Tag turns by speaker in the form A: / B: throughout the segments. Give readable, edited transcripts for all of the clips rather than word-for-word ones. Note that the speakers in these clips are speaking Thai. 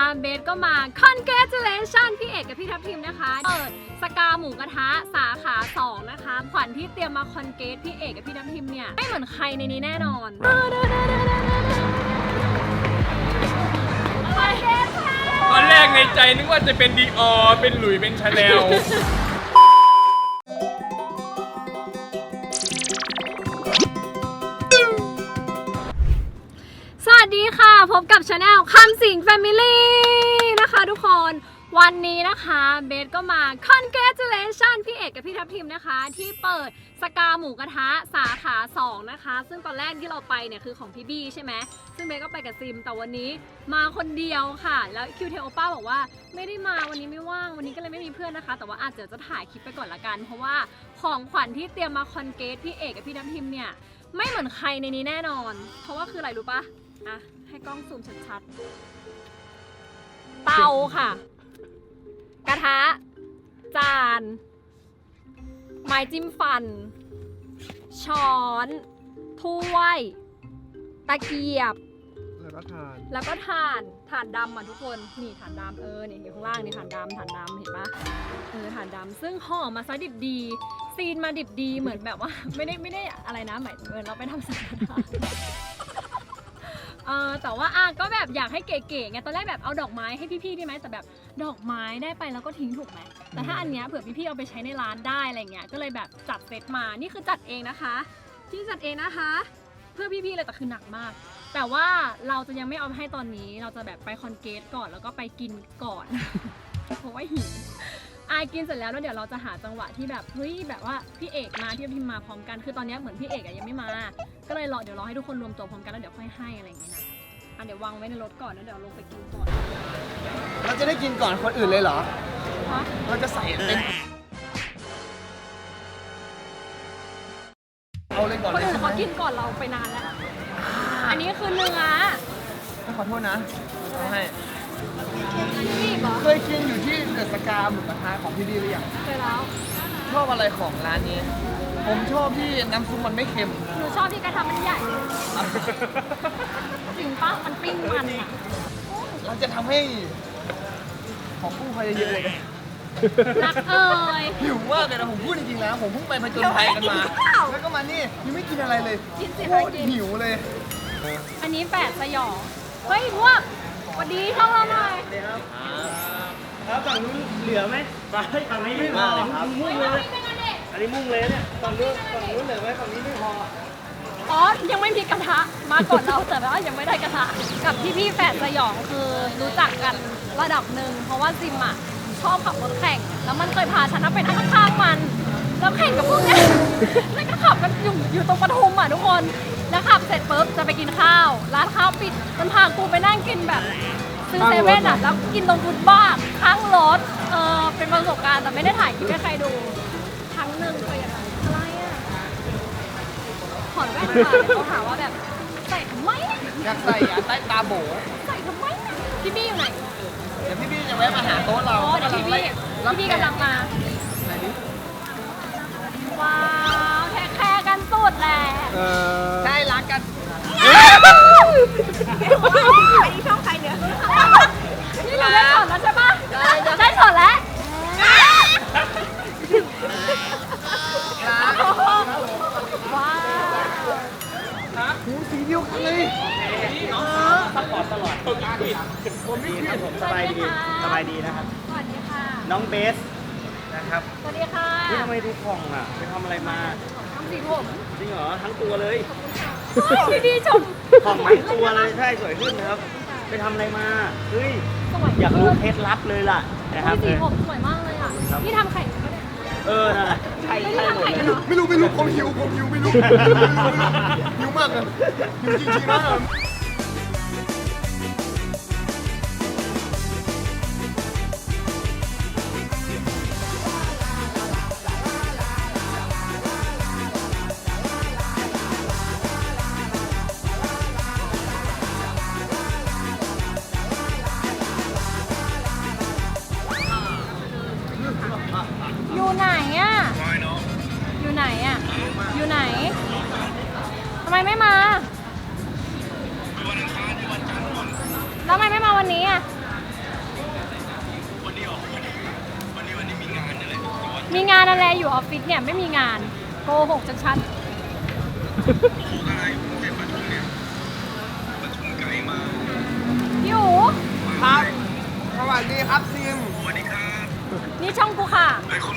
A: เบสก็มา congratulation พี่เอกกับพี่ทัพทิมนะคะเปิดสกาหมูกระทะสาขา2นะคะขวัญที่เตรียมมาคอนเกรสพี่เอกกับพี่ทัพทิมเนี่ยไม่เหมือนใครในนี้แน่นอน
B: ตอนแรกในใจนึกว่าจะเป็นดีออเป็นหลุยเป็นชาแนล
A: สวัสดีค่ะพบกับชาแนลคำสิงแฟมิลี่นะคะทุกคนวันนี้นะคะเบสก็มา congratulation พี่เอกกับพี่ทัพทิมนะคะที่เปิดสกาหมูกระทะสาขา2นะคะซึ่งตอนแรกที่เราไปเนี่ยคือของพี่บี้ใช่ไหมซึ่งเบสก็ไปกับซิมแต่วันนี้มาคนเดียวค่ะแล้วคิวเทโอป้าบอกว่าไม่ได้มาวันนี้ไม่ว่างวันนี้ก็เลยไม่มีเพื่อนนะคะแต่ว่าอาจจะถ่ายคลิปไปก่อนละกันเพราะว่าของขวัญที่เตรียมมาคอนเกรสพี่เอกกับพี่ทัพทิมเนี่ยไม่เหมือนใครในนี้แน่นอนเพราะว่าคืออะไรรู้ปะอ่ะให้กล้องซูมชัดๆเตาค่ะกระทะจานไม้จิ้มฟันช้อนถ้วยตะเกียบแล้วก็ถ่านดำอ่ะทุกคนนี่ถ่านดำนี่อยู่ข้างล่างนี่ถ่านดำเห็นปะถ่านดำซึ่งห่อมาซะดิบดีซีนมาดิบดีเหมือนแบบว่าไม่ได้อะไรนะหมายถึงเราไปทำสังฆทานแต่ว่าก็แบบอยากให้เก๋ๆไงตอนแรกแบบเอาดอกไม้ให้พี่ๆได้ไหมแต่แบบดอกไม้ได้ไปแล้วก็ทิ้งถูกไหมแต่ถ้าอันเนี้ยเผื่อพี่ๆเอาไปใช้ในร้านได้อะไรเงี้ยก็เลยแบบจัดเซตมานี่คือจัดเองนะคะที่จัดเองนะคะเพื่อพี่ๆเลยแต่คือหนักมากแต่ว่าเราจะยังไม่เอาให้ตอนนี้เราจะแบบไปคอนเกตก่อนแล้วก็ไปกินก่อน เพราะว่าหิวกินเสร็จแล้วเดี๋ยวเราจะหาจังหวะที่แบบเฮ้ยแบบว่าพี่เอกมาพี่พิมมาพร้อมกันคือตอนนี้เหมือนพี่เอกยังไม่มาก็เลยเดี๋ยวรอให้ทุกคนรวมตัวพร้อมกันแล้วเดี๋ยวค่อยให้อะไรอย่างเงี้ยนะเดี๋ยววางไว้ในรถก่อนแล้วเดี๋ยวลงไปกินก่อน
C: เราจะได้กินก่อนคนอื่นเลยเหรอเราจะใส่เต็มเอาเลยก่อน
A: คนอื่นเขากินก่อนเราไปนานแล้วอันนี้คือเนื้อ
C: ขอโทษนะเอาให้
A: นี่เหรอ
C: เคยกินอยู่ที่เดอะสกาหมูกระทะของพี่ดีหรือยัง
A: เคยแล้ว
C: ชอบอะไรของร้านนี้ผมชอบที่น้ำซุปมันไม่เค็ม
A: หนูชอบที่กระทะมันใหญ่จริงป่ะมันปิ้งมันอ่ะ
C: เราจะทำให้ของกู้ภัยเยอะเลย
A: รัก
C: หิวมากเลยนะผมพูดจริงๆแล้วผมเพิ่งไปผจญภัยกันมาแล้วก็มานี่ยังไม่กินอะไรเลยโคตรหิวเลย
A: อันนี้แปดสยองเฮ้ยพวกสวัสดีช่องเราหน่อย
D: แล้วฝั่งนู้นเหลือไหมฝั่งนี้ไม่พอครับมุ่งเลยอันนี้มุ่งเลยเนี่ยฝั่งนู้นเหลือไหมฝั่งนี้ไม่พอ
A: ยังไม่มีกระทะมาก่อนเราแต่ว่ายังไม่ได้กระทะกับพี่แฝดสยองคือรู้จักกันระดับหนึ่งเพราะว่าซิมอ่ะชอบขับรถแข่งแล้วมันเคยพาฉันไปนั่งข้างๆมันแล้วแข่งกับพวกเนี้ยแล้วก็ขับกันอยู่ตรงปทุมอ่ะทุกคนแล้วขับเสร็จปุ๊บจะไปกินข้าวร้านข้าวปิดมันพากูไปนั่งกินแบบซื้อเซเว่นอ่ะแล้วกินตรงฟุตบาทข้างรถเป็นประสบการณ์แต่ไม่ได้ถ่ายคลิปให้ใครดูครั้งหนึ่งเคยอย่างไรอะไรอ่ะถอดแว่นค่ะเขาถามว่าแบบใส่ทำไม
C: อยากใส่ใต้ตาโบ
A: ใส่ทำไมพี่บี้อยู่ไหน
C: เดี๋ยวพี่บี้จะแวะมาหาโต๊ะเรา
A: เดี๋ยวพี่บี้กำลังมาว้าวแค่กันสุดแหละ
C: ใช่รักกัน
A: อันนี้ช่องใครเนี่ยนี่เราได้สอนแล้วใช่ปะได้สอนแล้วว้าว
C: สีเดียวกันเลย
D: ซัพพอร์ตตลอดผมไม่คิดผมสบายดีนะครับ
A: สวัสดีค่ะ
D: น้องเบสนะครับ
A: สวัสดีค่ะ
D: ทำไมดูผ่องอ่ะไปทำอะไรมา
A: ทำสีผม
D: จริงเหรอทั้งตัวเลย
A: พี่ชม
D: ผ่องทั้งตัวเลยใช่สวยขึ้นนะครับไปทำอะไรมาเฮ้ยอยากรู้เคล็ดลับเลยล่ะนะครับ
A: สีผมสวยมากเลยอ่ะพี่ทำไข่ก็ได้
D: นั่นแหละใช่หมดเลย
C: ไม่รู้ผมหิวไม่รู้หิวมากเลยหิวจริงๆนะ
A: อยู่ไหนอ่ะทำไมไม่มาแล้วทำไมไม่มาวันนี้อ่ะมีงานอะไรอยู่ออฟฟิศเนี่ยไม่มีงานโกหกชัดๆพี่อู๋
C: ครับสวัสดีครับซิม
A: นี่ช่องกูค่ะ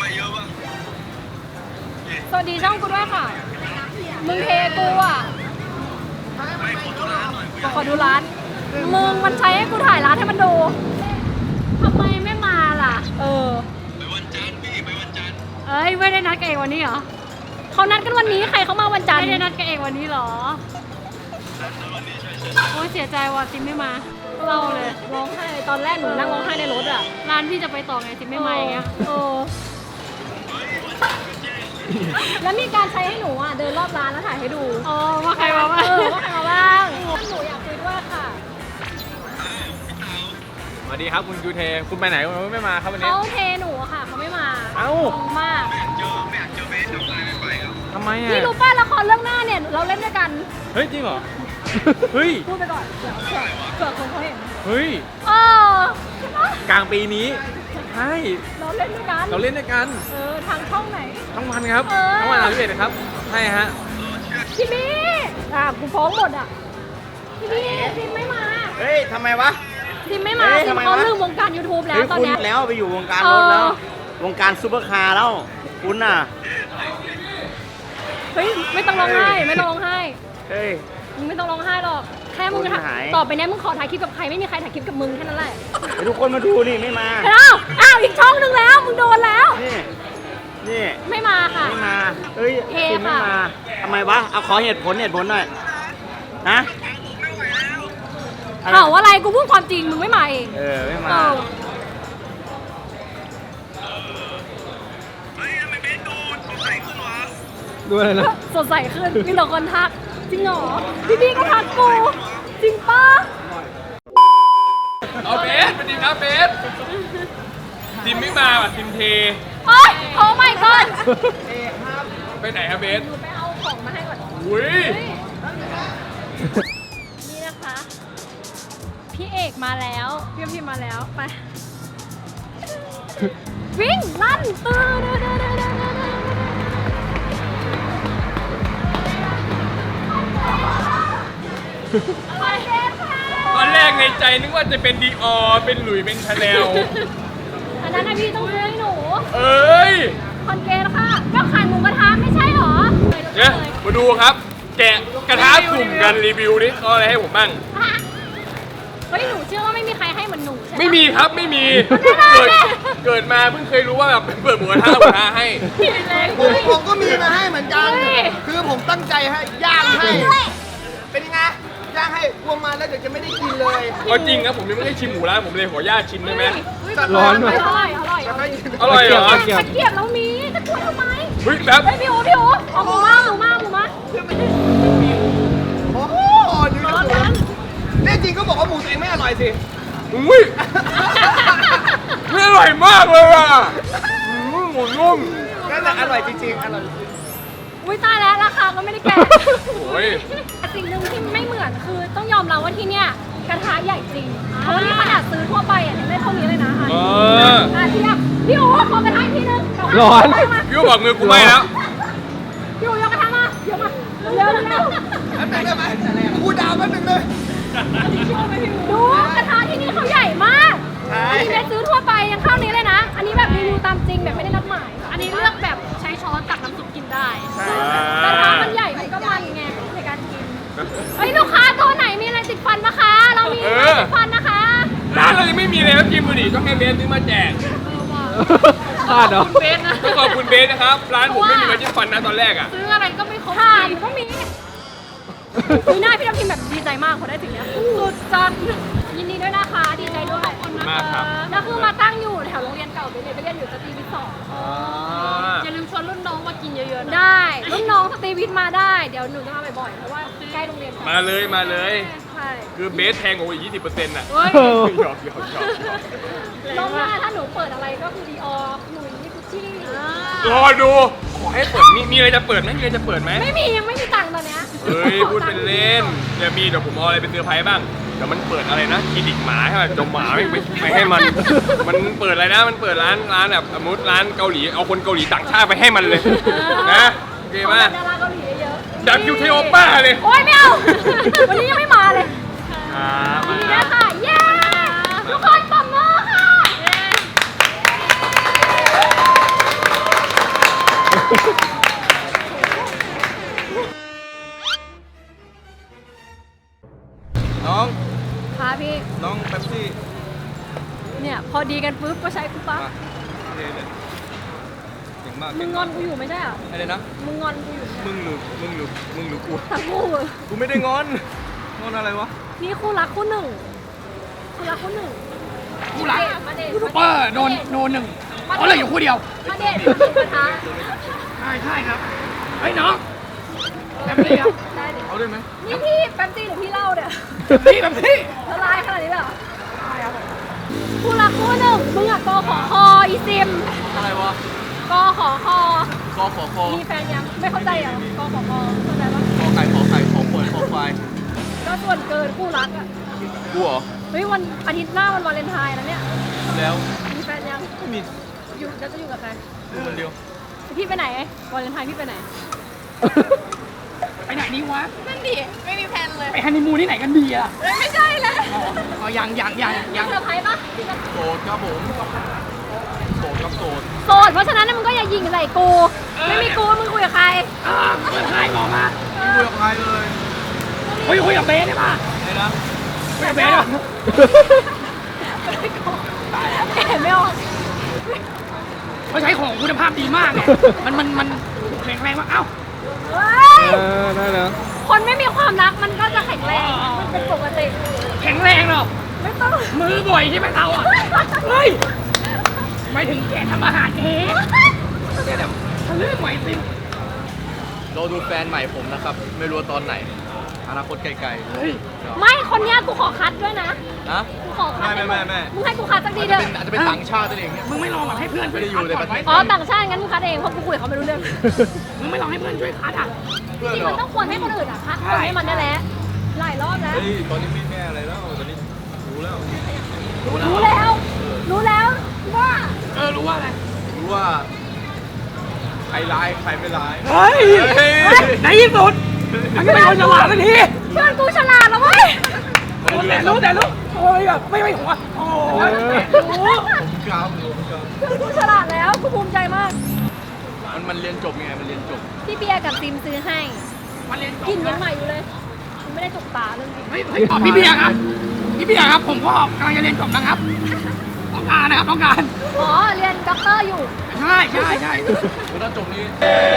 A: สวัสดีช่องกูด้วยค่ะ มึงเทกูอ่ะขอดูร้าน มึงมันใช้ให้กูถ่ายร้านให้มันดูทำไมไม่มาล่ะ ไปวันจันทร์พี่ไปวันจันทร์เอ้ยไม่ได้นัดกันเองวันนี้เหรอเขานัดกันวันนี้ใครเขามาวันจันทร์ไม่ได้นัดกันเองวันนี้เหรอโอ้ยเสียใจว่ะติมไม่มาเล่าเลยร้องไห้เลยตอนแรกหนูนั่งร้องไห้ในรถอ่ะร้านพี่จะไปต่อไงติมไม่มาอย่างเงี้ยแล้วมีการใช้ให้หนูอ่ะเดินรอบร้านแล้วถ่ายให้ดูว่าใครมาบ้างว่าใครมาบ้างหนูอยากคุยด้วยค่ะ
B: สวัสดีครับคุณยูเทคุณไปไหนคุณไม่มาครับวันนี้
A: เขาเทหนูอะค่ะเขาไม่มา
B: เอ้า
A: งงมาก
B: ทำไมอ่ะ
A: พี่รู้ป่ะละครเรื่องหน้าเนี่ยเราเล่นด้วยกัน
B: เฮ้ยจริงเหรอ เฮ้ย
A: พูดไปก่อนเผื่อคนเขาเห็น
B: เฮ้ย
A: ใช่ปะ
B: กลางปีนี้ใช่
A: เราเล่นด้วยกัน
B: เราเล่นด้วยกัน
A: ทางช่องไหน
B: ทั้งวันครับ
A: เออ
B: ทั้งวัน31นะครับใช่ฮะ
A: พี่มี่กูฟ้องหมดอ่ะพี่มี่ซิมไม่มา
D: เฮ้ยทำไมวะ
A: ซิมไม่มา
D: เฮ้ย
A: ซิม
D: ทำไม
A: เขา
D: วะ
A: ลืมวงการ YouTube แล้ว
D: เฮ้ย
A: ตอน
D: คุณ
A: เนี้ย
D: แล้วไปอยู่วงการรถแล้ว วงการซูเปอร์คาร์แล้ว คุณน่ะ
A: เฮ้ยไม่ต้องร้องไห้ไม่ต้องร้องไห้
D: เฮ้ย
A: มึงไม่ต้องร้องไห้หรอกแค่มึง
D: คุณหาย
A: ต่อไปเนี้ยมึงขอถ่ายคลิปกับใครไม่มีใครถ่ายคลิปกับมึงแค่นั้นแหละ
D: เดี๋ยวทุกคนมาดูนี่ไม่มา
A: อ้าวอีกช่องหนึ่งแล้วมึงโดนแล้ว
D: นี่ นี่
A: ไม่มาค่ะ
D: ไม่มา เฮ้ย
A: เท
D: คุณไม่
A: ค่ะ
D: มาทำไมวะ เอาขอเหตุผลหน่อยนะอะไร
A: เขาอะไรกูพูดความจริงมึงไม่มาเอง
D: ไม่มา
A: เออ
B: ดูอะไรนะ
A: สดใสขึ้นมีแต่คนทักจริงเหรอพี่ก็ทักกูจริงปะ
B: เอาเบสสวัสดีครับเบสทีมไม่มาว่ะทีมเท
A: โอ๊ยโอ้ my god
B: ไปไหนครับเบส
A: หนูไปเอาของมาให้ก่อน
B: อุ้ย
A: นี่นะคะ พี่เอกมาแล้วพี่พิมมาแล้วไปวิ่งลั่นตื้ออะไรเบสค่ะ
B: ตอนแรกในใจนึกว่าจะเป็นดีออเป็นหลุยเป็นชาแนล
A: อันนั้นนะพี่ต้องซื้อให้หนู
B: เอ้ย
A: คอนเกตค่ะก็ขายหมูกระทะไม่ใช่หรอ
B: เนี่ยมาดูครับ แกะกระทะสุ่มกันรีวิวนี่เขาอะไรให้ผมบ้าง
A: เฮ้ยหนูเชื่อว่าไม่มีใครให้เหมือนหนูใช่ไหม
B: ไม่มีครับไม่มี
A: ไม่ได้
B: เกิดมาเพิ่งเคยรู้ว่าแบบเปิดหมูกระทะแล้วหมูกระทะให้
C: ผมก็มีมาให้เหมือนกัน คือผมตั้งใจให้ย่างให้ เป็นยังไงย่างให้กลัวมาแล้วเดี๋ยวจะไม่ได้กินเลย
B: ก็จริงครับผมยังไม่ได้ชิมหมูร้านผมเลยขออนุญาตชิมได้ไหม
C: ร้อนไหม
A: อร่อย
C: จะได้กิน
B: อร่อยเหรอ
A: ตะเกียบเรามีตะกรวดทำไม
B: เฮ้ยแบบ
A: เฮ้ยพี่โอ๋เอาหมูมา
C: โอ้โหดูดิแน่จริงก็บอกว่าหมูตัวเองไม่อร่อยสิ
B: อุ้ยนี่อร่อยมากเลยอ่ะหมูนุ่ม
C: นั่นแหละอร่อยจริงๆอร่อย
A: อุ้ยตายแล้วราคาก็ไม่ได้แก่
B: โอ้ย
A: แต่สิ่งหนึ่งที่ไม่เหมือนคือต้องยอมรับว่าที่เนี่ยกระทะใหญ่จริง เพราะว่านี่ขนาดซื้อทั่วไปอ่ะยังได้เท่านี้เลยนะ
B: เออ
A: เทียบพี่โอ๋ขอกระทะอีกทีนึง
B: ร้อนพี่ก็บอกมือกูไม่แล้ว
A: พี่โอ๋ยกกระทะมาเดี๋ยวมาเร็ว
C: แป๊บนึงได้ไหมกูดาวแป๊บนึงเลย
A: ดูกระทะที่นี่เขาใหญ่มาก
C: ใช่
A: อันนี้เบสซื้อทั่วไปยังเท่านี้เลยนะ อันนี้แบบรีวิวตามจริงแบบไม่ได้นัดหมาย อันนี้เลือกแบบใช้ช้อนตักน้ำซุปกินได้กระทะมันใหญ่มันก็มันไงในการกินเฮ้ยลูกค้าตัวไหนมีอะไรติดฟันปะคะ เรามีอะไรติดฟันนะคะ
B: ร้านเรายังไม่มีเลยครับกินบุหรี่ต้องให้เบสซื้อมาแจก
A: พลาดเหรอเบสนะ
B: ต้องขอบคุณเบสนะครับ ร้านผมไม่มีมาจิ้มฟันนะตอนแรกอ่ะ
A: ซื้ออะไรก็ไม่ครบถ่านก็มีมีหน้าพี่ทัพทิมแบบดีใจมากพอได้ถึงเนี้ยสุดจัดยินดีด้วยนะคะดีใจด้วยขอบคุณนะ
B: มากครั
A: คะ
B: บ
A: แล้วคือมาตั้งอยู่แถวโรงเรียนเก่าไปเลยไปเรียนอยู่สตรีวิทย์สอง
B: อย่าลืมชวนรุ่นน้องมากินเยอะๆนะ
A: ได้รุ่นน้องสตรีวิทย์มาได้เดี๋ยวหนูจะมาบ่อยๆเพราะว่าใกล้โรงเรียน
B: มาเลยมาเลย
A: ใช่
B: คือเบสแพงกว่าอีก 20%น่ะ
A: เฮ้ย
B: หยอก
A: รอบหน้าถ้าหนูเปิดอะไรก็คือดีออหนูนี่กุชชี่
B: รอดู ขอให้เปิด มีอะไรจะเปิดไหมมีอะไรจะเปิดไหม
A: ไม่มียังไม่มีตังค์ตอนเนี้ย
B: เฮ้ย พูดเป็นเล่น เดี๋ยวมีเดี๋ยวผมเอาอะไรเป็นเซอร์ไพรส์บ้าง
A: อ
B: แต่มันเปิดอะไรนะคลินิกหมาใช่ไหมจมหมาไม่ให้มันเปิดอะไรนะมันเปิดร้านแบบสมมติร้านเกาหลีเอาคนเกาหลีต่างชาติไปให้มันเลยนะโอเคไหม
A: ดาราเกาหลีเยอะ
B: ดักคิวเทโอป้าเลย
A: โอ๊ยไม่เอา วันนี้ยังไม่มาเลย
B: ครับ
A: ยินดีด้วยค่ะ เย้ ทุกคนปรบมือค่ะ
C: น้อง
A: ค่ะพี่
C: น้องเป๊ปซี่
A: เนี่ยพอดีกันปุ๊บก็ใช้กูปั๊บ
C: โอเคเลยเก่งมาก
A: มึงงอนกูอยู่ไม่ใช่เหรอ
C: อะไรนะ
A: มึงงอนกูอยู่
C: มึงหรือกู
A: ทั้งคู่
C: กูไม่ได้งอนอะไรวะ
A: นี่คู่รักคู่หนึ่งคู่รักคู่หนึ่งคู่รักมาเดท
E: ยูทูบเบอร์โดนหนึ่งเขาเลยอยู่คู่เดียว
A: มาเดทมาเดทกระทะ
E: ใช่ครับ เฮ้ยน้องแบบนี้ครับ
A: ได้ดิ
C: เอาได้ไหม
A: นี่พี่แป๊บซี่หรือพี่เล่าเนี่ย
E: แบบนี้
A: ละลายขนาดนี้เลยเหรอคู่รักคู่หนึ่งมึงอะกอขอคออีซิม
C: อะไรวะ
A: กอขอคอ
C: คอขอคอ
A: มีแฟนยังไม่เข้าใจเหรอกอขอคอเข้าใจปะ
C: ขอไข่ขอขวดขอควาย
A: ก็ส่วนเกินคู่รักอะ
C: กูเหรอ
A: เฮ้ยวันอาทิตย์หน้าวันวาเลนไทน์แล้วเนี่ย
C: แล้ว
A: มีแฟนยัง
C: ไม่มี
A: อยู่แล้วจะอยู่กับใคร
C: กูคนเดียว
A: พี่ไปไหนวาเลนไทน์พี่ไปไหน
E: ไปไหนนี่วะ
A: นั่นดิไม่มีแฟนเลย
E: ไปฮันนีมูนที่ไหนกันดีอ่ะ
A: ไม่ใช่เลย
E: อ๋อยัง
A: เซอร์ไพรส์ปะ
C: โสดครับผมโสดครับโสด
A: โสดเพราะฉะนั้นมึงก็อย่ายิงใส่กู ไม่มีกูมึงคุยกับใคร
E: เพื่อนใครบอกมา
C: ไม่คุยกับใครเลย
E: คุยกับเบสได้ป่ะ
C: ไอ้นะ
E: คุยกับเบสอ่ะ
A: เห็นไม่ออก
E: เขาใช้ของคุณภาพดีมากเนี่ยมันแข็งแรงมากเอ้า
A: เฮ้ย
C: ได้แล้ว
A: คนไม่มีความรักมันก็จะแข็งแรง มันเป็นปกติ
E: แข็งแรงเหรอ
A: ไม่ต้อง
E: มือบ่อยใช่ไหมเราอ่ะ เฮ้ยไม่ถึงแกทำอาหารเองเดี๋ยวเรื่องไหวสิ
C: รอดูแฟนใหม่ผมนะครับ ไม่รู้ว่าตอนไหน อนาคตไกล
E: เฮ้ย
A: ไม่คนเนี้ยกูขอคัดด้วยนะ
C: ๆนะ
A: กูขอคัด
C: ไม่
A: มึงให้กูคัดสักทีเถอะ
C: อาจจะเป็นต่างชาติตัวเองเนี่ย
E: มึงไม่ลองแบบให้เพื่อน
C: ไม่ได้อยู่ในประเทศ
A: อ๋อต่างชาติงั้นมึงคัดเองเพราะกูคุยกับเขาไม่รู้เรื่อง
E: มึงไม่ลองให้เพื่อนช่วยคัดอ่ะ
C: เพื่อน
A: จริง
C: เหร
A: มั
C: อน
A: ต้องควรให้คนอื่นอ่ะคัดคนให้มันได้แล้วหลายรอบแล้ว
C: เฮ้ยตอนนี้ไม่แม่อะไรแล้ว ตอนนี้รู้แล้ว
A: รู้แล้วว่า
E: รู้ว่าอะไร
C: รู้ว่าใครร้ายใครไม่ร้าย
E: เฮ้ย ในที่สุดมันก็เป็นคนฉลาดสักที
A: เพื่อนกูฉลาดแล้วเว้ย
E: แต่รู้โอ้ยแบบไม่หัวโอ้ยรู้
C: ผมกล้ามผมกล้าม
A: เพื่อนกูฉลาดแล้วกูภูมิใจมาก
C: มันเรียนจบไง มันเรียนจบ
A: พี่เบียร์กับซิมซื้อให้
E: มันเรียนจบ
A: กินยังใหม่อยู่เลยมันไม่ได้จุกตาเรื่องจริง
E: เฮ้ยพี่เบียร์ครับ ผมก็กำลังจะเรียนจบนะครับ ต้องการนะครับต้องการ
A: อ๋อเรียนด็อกเตอร์อยู่
E: ใช่
C: คือถ้าจบนี้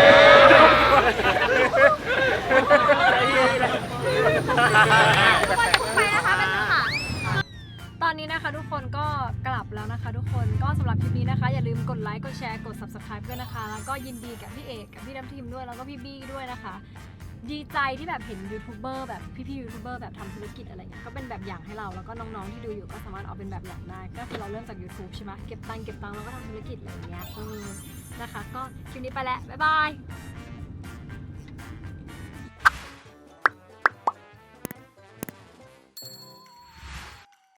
A: ไปนะคะเป็นค่ะตอนนี้นะคะทุกคนก็กลับแล้วนะคะ ทุกคนก็สำหรับคลิปนี้นะคะ อย่าลืมกดไลค์กดแชร์กด subscribe ด้วยนะคะ แล้วก็ยินดีกับพี่เอกกับพี่น้ำทิมด้วยแล้วก็พี่บี้ด้วยนะคะ ดีใจที่แบบเห็นยูทูบเบอร์แบบพี่ๆยูทูบเบอร์แบบทำธุรกิจอะไรเงี้ยก็เป็นแบบอย่างให้เราแล้วก็น้องๆที่ดูอยู่ก็สามารถเอาเป็นแบบอย่างได้ก็คือเราเริ่มจาก YouTube ใช่ไหมเก็บตังค์แล้วก็ทำธุรกิจอะไรอย่างเงี้ยนะคะ ก็คลิปนี้ไปแล้วบ๊ายบาย